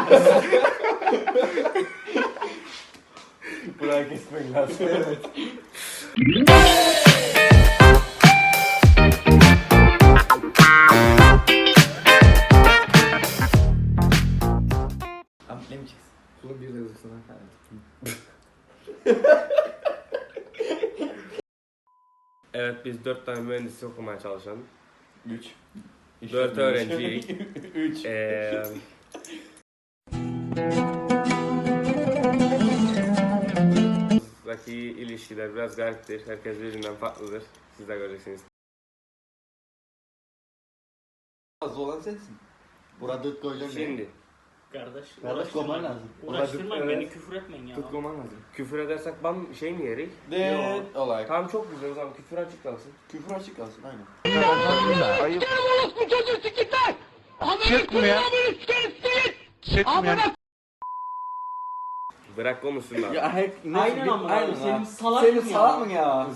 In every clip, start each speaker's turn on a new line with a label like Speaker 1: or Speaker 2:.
Speaker 1: Burayı kesmek lazım. Evet.
Speaker 2: Ne mi çıksın?
Speaker 1: Kulun bir de hızlısına. Evet, biz 4 tane mühendislik okumaya çalışan
Speaker 2: 3.
Speaker 1: 4 öğrenciyiz.
Speaker 2: 3.
Speaker 1: Buradaki ilişkiler biraz gariptir. Herkes birbirinden farklıdır. Siz de göreceksiniz.
Speaker 2: Az olan sensin. Burada koyacağım.
Speaker 1: Şimdi
Speaker 3: Kardeş
Speaker 2: koyman lazım.
Speaker 3: Uğraştırmayın
Speaker 1: Evet.
Speaker 3: beni, küfür etmeyin ya.
Speaker 1: tutmaman lazım. Küfür edersek ban şey mi yerik?
Speaker 2: De olay.
Speaker 1: Tamam, çok güzel, o zaman küfür açıklansın.
Speaker 2: Küfür açık kalsın aynen.
Speaker 1: Bırak konuşsunlar.
Speaker 3: Aynen ama
Speaker 2: aynen
Speaker 3: senin
Speaker 2: ya.
Speaker 3: salak
Speaker 2: Senin
Speaker 3: mı ya?
Speaker 2: salak mı ya?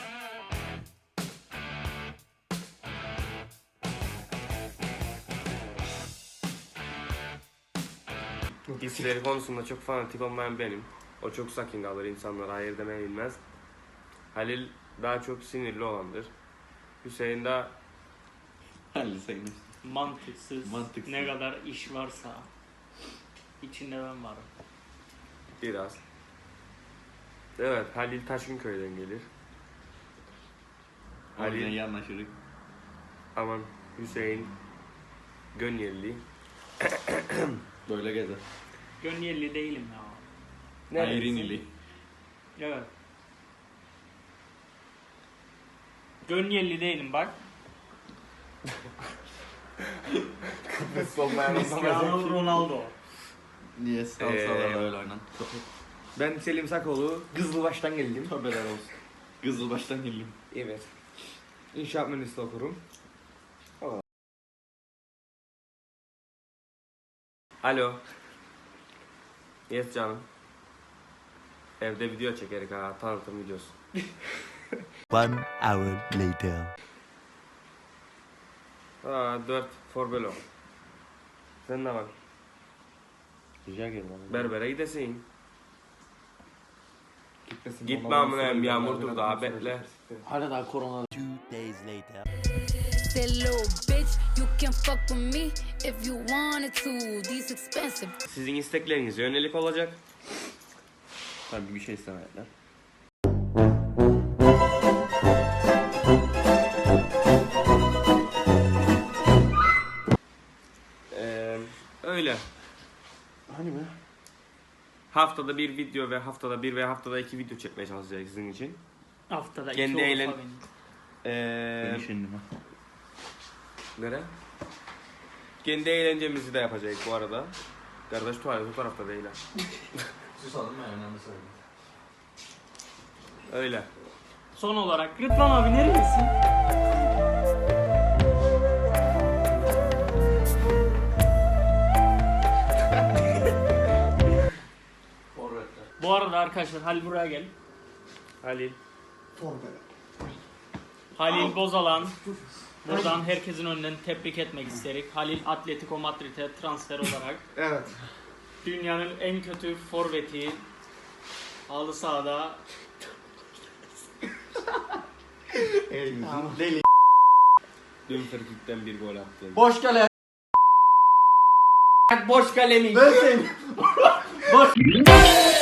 Speaker 1: Hisleri konusunda çok fanatik olmayan benim. O çok sakin kalır, insanlara hayır demeye bilmez. Halil daha çok sinirli olandır. Hüseyin de
Speaker 2: Halil sayılır.
Speaker 3: Mantıksız,
Speaker 2: Mantıksız.
Speaker 3: ne kadar iş varsa içinde ben varım.
Speaker 1: biraz. Evet, Halil Taşınköy'den gelir.
Speaker 2: O yüzden
Speaker 1: Halil,
Speaker 2: iyi anlaşırız.
Speaker 1: aman Hüseyin Gönyeli.
Speaker 2: Böyle gezer.
Speaker 3: Gönyeli değilim ya.
Speaker 1: Nerelisin?
Speaker 2: Ayrinili.
Speaker 3: Evet. Gönyeli değilim bak.
Speaker 1: Kıbrıs olmayan
Speaker 3: Cristiano Ronaldo.
Speaker 2: Niye salsalar öyle oynan?
Speaker 4: Ben Selim Sakoğlu, Kızılbaş'tan geldim.
Speaker 2: Haberler olsun. Kızılbaş'tan geldim.
Speaker 4: Evet. İnşaat mühendisliği okurum.
Speaker 1: Alo. Yes canım. Evde video çekerik ha, tanıtım videosu.
Speaker 5: 1 hour later.
Speaker 1: 4 Forbelo. Sen ne bak?
Speaker 2: Rica ederim.
Speaker 1: Berbere gidesin.
Speaker 4: Gitmesin.
Speaker 1: Gitme amına, yağmur dur daha bekle.
Speaker 2: Hala daha korona.
Speaker 5: 2 days later.
Speaker 6: That little bitch, you can fuck with me if you wanted to. These expensive.
Speaker 1: Sizin isteklerinize yönelik olacak.
Speaker 2: Tabii bir şey istemediler.
Speaker 1: Öyle.
Speaker 2: Hani mi?
Speaker 1: Haftada bir video ve haftada bir veya haftada 2 video çekmeye çalışacağız sizin için.
Speaker 3: Haftada
Speaker 1: Kendi
Speaker 3: iki
Speaker 1: eğlen-
Speaker 3: olsa benim.
Speaker 2: Ben işindim ha.
Speaker 1: Nere? Kendi eğlencemizi de yapacağız bu arada. Kardeş tuvalet o tarafta değil ha.
Speaker 2: Susalım ben önemli söyleyeyim.
Speaker 1: Öyle.
Speaker 3: Son olarak Rıdvan abi nerelisin? Bu arada arkadaşlar Halil buraya gel.
Speaker 1: Halil.
Speaker 3: Halil Bozalan. Buradan herkesin önünden tebrik etmek isterik. Halil Atletico Madrid'e transfer olarak
Speaker 4: Evet.
Speaker 3: dünyanın en kötü forveti halı sahada
Speaker 2: Deli.
Speaker 1: Dün frikikten bir gol attım.
Speaker 2: Boş kale.
Speaker 4: Boş kalemi.
Speaker 2: Ben seni. Boş.